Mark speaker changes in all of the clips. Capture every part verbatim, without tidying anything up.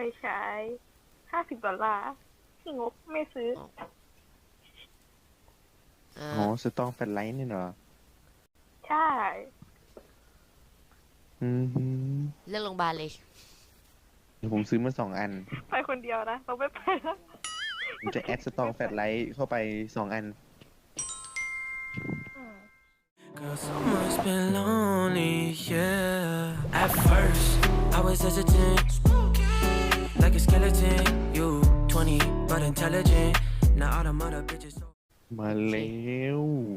Speaker 1: ฉายห้าสิบดอลลาร์ที่งบไม่ซื้อ
Speaker 2: อ่า
Speaker 3: อ๋อสตองแฟลชไลท์นี่เหรอ
Speaker 1: ใช่
Speaker 3: อืมฮึ
Speaker 2: เลือกโรงพยาบาลเลย
Speaker 3: เดี๋ยวผมซื้อมาสองอัน
Speaker 1: ไปคนเดียวนะเราไม่ไปแล้ว
Speaker 3: ผมจะแอดสตองแฟลชไลท์เข้าไปสองอัน
Speaker 1: อืม
Speaker 4: Girl, summer's been lonely, yeah. At first, I was hesitant, like a skeleton. You twenty, but intelligent. Now all the mother bitches.
Speaker 3: มาแล้ว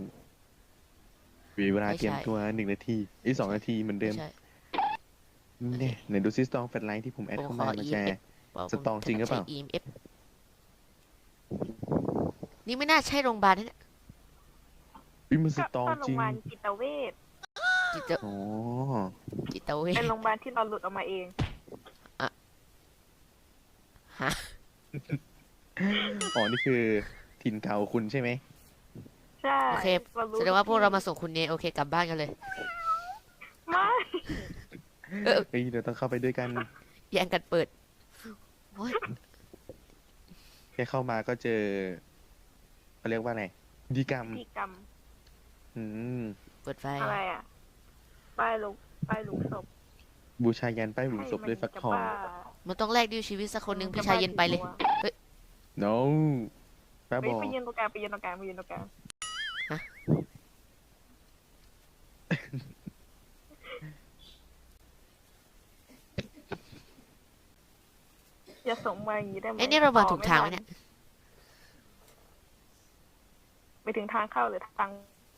Speaker 3: มีเวลา
Speaker 2: ไม่ใช่
Speaker 3: เตรียมตัวหนึ่งนาทีอีกสองนาทีเหมือนเดิ
Speaker 2: ไม่
Speaker 3: ม
Speaker 2: ใช่
Speaker 3: เนี่ยไหนดูซิสตองแฟลชไลท์ที่ผมแอด
Speaker 2: ผม
Speaker 3: เข้า
Speaker 2: ขอ
Speaker 3: มามา
Speaker 2: อี
Speaker 3: แช
Speaker 2: เอฟ
Speaker 3: ร์
Speaker 2: บอก
Speaker 3: สตองจริงหรือเปล่า
Speaker 2: ใช้ อี เอ็ม เอฟ นี่ไม่น่าใช่โรงพยาบาลนะเนี่ย
Speaker 3: อุ้ยมันส
Speaker 1: ก็
Speaker 3: ตอง
Speaker 1: ก็โร
Speaker 3: จริ
Speaker 1: งพ
Speaker 3: ง
Speaker 1: ยาบาลจิตเวช
Speaker 2: จิต
Speaker 3: อ๋อ
Speaker 2: จิตเวช
Speaker 1: เป็นโรงพยาบาลที่เราหลุดออกมาเอง
Speaker 2: ฮะ
Speaker 3: อ๋อนี่คือถิ่นเก่าคุณใช่ไหม
Speaker 1: ใช่
Speaker 2: โอเค
Speaker 1: เรารู้
Speaker 2: แสดงว่าพวกเรามาส่งคุณเนโอเคกลับบ้านกันเลย
Speaker 1: ไม่
Speaker 2: เออ
Speaker 3: เฮ้ยเดี๋ยวต้องเข้าไปด้วยกัน
Speaker 2: แย่งกันเปิดโอ้ย
Speaker 3: แค่เข้ามาก็เจอเขาเรียกว่าอะไรพิธีกรรม
Speaker 1: พิธีกรรม
Speaker 3: อืม
Speaker 2: เปิดไฟ
Speaker 1: อะไรอ่ะป้ายลุกป้ายลุกศพ
Speaker 3: บูชายันป้ายหลุมศพด้วยฟักทอง
Speaker 2: มันต้องแลกด้วยชีวิตสักคนหนึ่งพี่ชายเย็นไปเลย
Speaker 3: no ป้า
Speaker 1: ไป
Speaker 3: บอก
Speaker 1: ไปยืนตรงกลางไปยืนตรงกลางไปยืนตรงกลาง
Speaker 2: ฮะ
Speaker 1: อย่าส่งมาอย่างนี้ได้ไหม
Speaker 2: เอ้ยนี่เรามา
Speaker 1: อ๋อ
Speaker 2: ถูกทางไหม
Speaker 1: ทั
Speaker 2: เนี่ย
Speaker 1: ไปถึงทางเข้าหรือทาง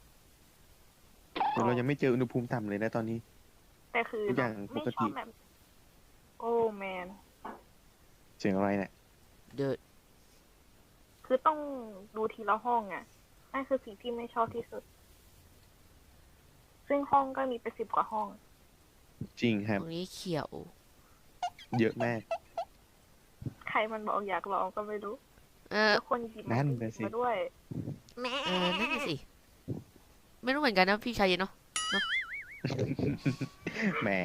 Speaker 3: แต่เรายังไม่เจออุณหภูมิต่ำเลยนะตอนนี้
Speaker 1: แต่คือ
Speaker 3: ทุกอย่าง
Speaker 1: ไม่
Speaker 3: ปก
Speaker 1: ช
Speaker 3: ติ
Speaker 1: อบแบบโอ้แมน
Speaker 3: เสียงอะไรเนี่ย
Speaker 2: เดิน
Speaker 1: คือต้องดูทีละห้องอ่ะนั่นคือสิ่งที่ไม่ชอบที่สุด ซึ่งห้องก็มีไปสิบกว่าห้อง
Speaker 3: จริงค
Speaker 2: ต
Speaker 3: รับ
Speaker 2: รงนี้เขียว
Speaker 3: เยอะมาก
Speaker 1: ใครมันบอกอยากลองก็ไม่รู้
Speaker 2: เออ
Speaker 1: แล้วคนหยิบ
Speaker 3: นั่
Speaker 1: มาน
Speaker 3: น่ะสิ
Speaker 1: มาด้วย
Speaker 2: เออนั่นน่ะสิ ไม่รู้เหมือนกันนะพี่ชายเย็นเนาะ
Speaker 3: แหม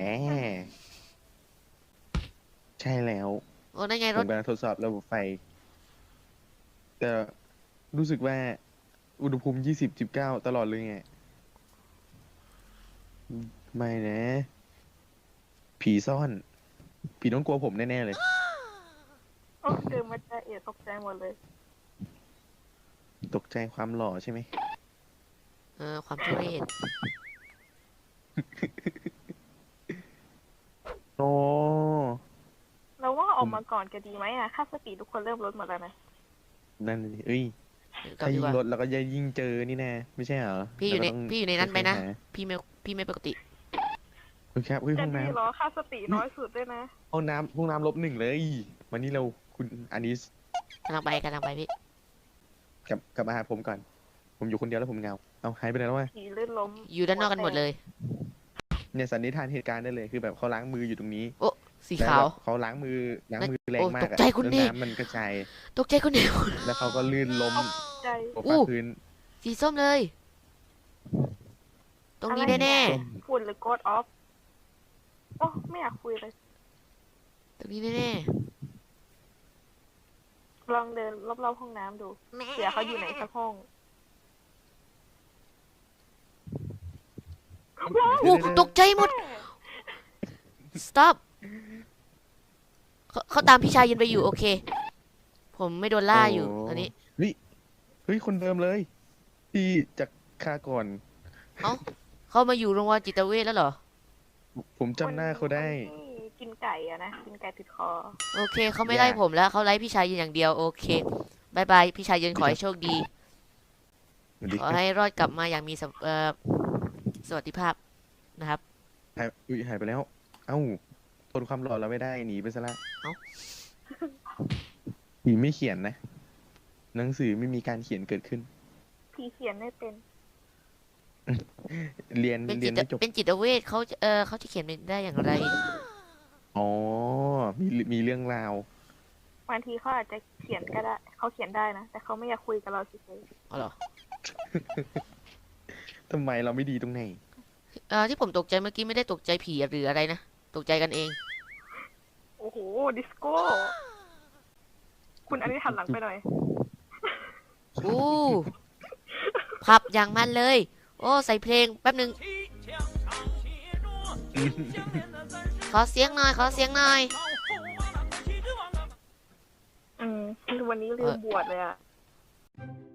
Speaker 3: ใช่แล้ว
Speaker 2: โอ้นั่นไง
Speaker 3: ผ
Speaker 2: ร
Speaker 3: ม
Speaker 2: ถ
Speaker 3: กำลังทดสอบระบบไฟ แต่รู้สึกว่า อุณหภูมิยี่สิบ สิบเก้าตลอดเลยไง ไม่นะ ผีซ่อน ผีต้องกลัวผมแน่ ๆ เลย
Speaker 1: โอ้เดินมาจะเอะตกใจหมดเลย
Speaker 3: ตกใจความหล่อใช่ไหม
Speaker 2: เออความทุเรศ
Speaker 3: โอ้
Speaker 1: เราว่าออกมาก่อนจะดีไหมอ่ะ ค่าสติทุกคนเริ่มลดหมดแล้วนะ
Speaker 3: นั่นสิเอ้ย
Speaker 2: กลับ
Speaker 3: ถ้า
Speaker 2: ดี
Speaker 3: ยิ่
Speaker 2: ก
Speaker 3: ง
Speaker 2: ว่า
Speaker 3: ลดเราก็จะยิ่งเจอนี่แน่ไม่ใช่เหรอ
Speaker 2: พี่อยู่ใน
Speaker 3: เราก็ต้ง
Speaker 2: พี่อยู่ในนั้นไปนะ
Speaker 3: ค่อยๆหา
Speaker 2: พี่ไม่พี่ไม่ปกติ
Speaker 3: เฮ้ยครับเฮ้ย
Speaker 1: จะ
Speaker 3: ห้อง
Speaker 1: ดี
Speaker 3: น้ำ
Speaker 1: เหรอ ค่าสติน้อยสุดด้วยนะ
Speaker 3: ห้องน้ำห้องน้ำลบหนึ่งเลยวันนี้เราคุณอานิส
Speaker 2: กำลังไปกำลังไปพี่
Speaker 3: กลับกลับมาหาผมก่อน ผมอยู่คนเดียวแล้วผมเหงา เอาหายไปไหนแล้ววะ
Speaker 1: ผีลื่นล้ม
Speaker 2: อยู่ด้านนอกกันหมดเลย
Speaker 3: เนี่ยสันนิษฐานเหตุการณ์ได้เลยคือแบบเขาล้างมืออยู่ตรงนี้
Speaker 2: โอ้สี
Speaker 3: แล้ว
Speaker 2: ขาว
Speaker 3: แบบเขาล้างมือล้างมือแรง
Speaker 2: โอ้
Speaker 3: มาก
Speaker 2: ต
Speaker 3: อะ
Speaker 2: กใจคุณ
Speaker 3: แล้ว
Speaker 2: ดิ
Speaker 3: น้ำมันกระจาย
Speaker 2: ตกใจคนเดียว
Speaker 3: แล้วเขาก็ลื่นล้ม
Speaker 1: ใจ
Speaker 3: ตก
Speaker 2: อู้
Speaker 3: ฟาพื้น
Speaker 2: สีส้มเลย ตรงนี้
Speaker 1: อะไร
Speaker 2: แน่
Speaker 3: ส้ม
Speaker 1: ฝุ่นหรือโกดออฟโอ้ไม่อยากคุยเลย
Speaker 2: ๆตรงนี้แน่
Speaker 1: ลองเดินรอบๆห้องน้ำดูเผื่อเขาอยู่ไหนสักห้อง
Speaker 2: ๆโอ้ตกใจหมด stop เขาเขาตามพี่ชายเย็นไปอยู่โอเค ผมไม่โดนล่าอยู่ตอนนี้
Speaker 3: เฮ้ยเฮ้ยคนเดิมเลย ที่จากคาก่อน
Speaker 2: เอ้าเขามาอยู่โรงพยาบาลจิตเวชแล้วเหรอ
Speaker 3: ผมจำหน้าเขาได้
Speaker 1: คนที่กินไก่อะนะ กินไก่ติดคอ
Speaker 2: โอเคเขาไม่ไล่ผมแล้วเขาไล่พี่ชายเย็นอย่างเดียวโอเคบายบายพี่ชายเย็นขอให้โชคดี
Speaker 3: สวัสดี
Speaker 2: ข
Speaker 3: ค
Speaker 2: อ
Speaker 3: รับ
Speaker 2: ให้รอดกลับมาอย่างมีสวเอ่อสวัสดิภาพนะครับ
Speaker 3: หายอุ้ยหายไปแล้ว เอ้าทนความหล่อเราไม่ได้หนีไปซะละ
Speaker 2: เอ้า
Speaker 3: หนีไม่เขียนนะ หนังสือไม่มีการเขียนเกิดขึ้น
Speaker 1: ผีเขียนไม่เป็น
Speaker 3: เรียน
Speaker 2: เป็น
Speaker 3: เรี
Speaker 2: จิ
Speaker 3: ยน
Speaker 2: ต
Speaker 3: ไม่จบ
Speaker 2: เป็นจิตเวชเขาจะเออเขาจะเขียนเป็นได้อย่างไร
Speaker 3: อ๋อ มีมีเรื่องราว
Speaker 1: บางทีเขาอาจจะเขียนก็ได้ เขาเขียนได้นะ แต่เขาไม่อยากคุยกับเราเฉย
Speaker 2: อ๋อเหรอ
Speaker 3: ทำไมเราไม่ดีตรงไหน
Speaker 2: เออที่ผมตกใจเมื่อกี้ไม่ได้ตกใจผีหรืออะไรนะตกใจกันเอง
Speaker 1: ๆโอ้โห ดิสโก้ คุณอันนี้หันหลังไปหน่อย
Speaker 2: อู้พับอย่างมันเลย โอ้ ใส่เพลงแป๊บหนึ่งขอเสียงหน่อย ขอเสียงหน่อย
Speaker 1: อืมวันนี้ลืมบวชเลยอะ